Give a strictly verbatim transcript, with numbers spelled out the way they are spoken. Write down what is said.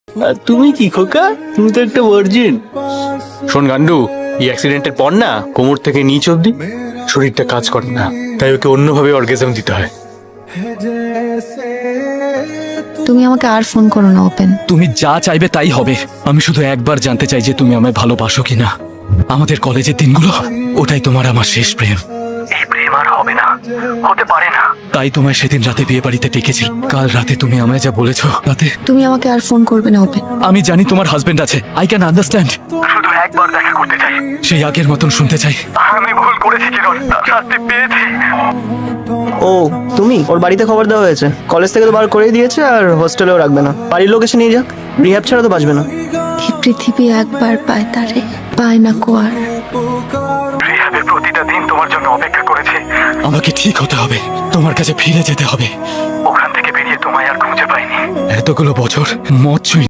আর তুমি কি খোকা, তুমি তো একটা ভার্জিন। শোন গান্ডু, এই অ্যাক্সিডেন্টের পর না কোমর থেকে নিচ অব্দি শরীরটা কাজ করে না, তাই ওকে অন্যভাবে অর্গাজম দিতে হয়। তুমি আমাকে আর ফোন করো না ওপেন। তুমি যা চাইবে তাই হবে। আমি শুধু একবার জানতে চাই যে তুমি আমায় ভালোবাসো কিনা। আমাদের কলেজের দিনগুলো, ওটাই তোমার আমার শেষ প্রেম। এই প্রেম আর হবে না, হতে পারে না। তাই তোমায় সেদিন রাতে বিয়ে বাড়িতে ডেকেছি। কাল রাতে তুমি আমায় যা বলেছো তাতে তুমি আমাকে আর ফোন করবে না ওপেন। আমি জানি তোমার হাজবেন্ড আছে, আই ক্যান আন্ডারস্ট্যান্ড। শুধু একবার দেখা করতে চাই, সেই আগের মতন শুনতে চাই আমি ভুল করেছি কিরণ, শাস্তি পেয়েছি। ও তুমি, ওর বাড়িতে খবর দেওয়া হয়েছে, কলেজ থেকে তো বার করেই দিয়েছে, আর হোস্টেলেও রাখবে না। বাড়ির লোক এসে নিয়ে যাক, রিহ্যাব ছাড়া তো বাঁচবে না। এই পৃথিবী একবার পায় তারে, পায় না কো আর। রিহাবের প্রতিটা দিন তোমার জন্য অপেক্ষা করেছে। আমাকে ঠিক হতে হবে, তোমার কাছে ফিরে যেতে হবে। ওখান থেকে বেরিয়ে তোমায় আর খুঁজে পাইনি। এতগুলো বছর মদ ছুঁই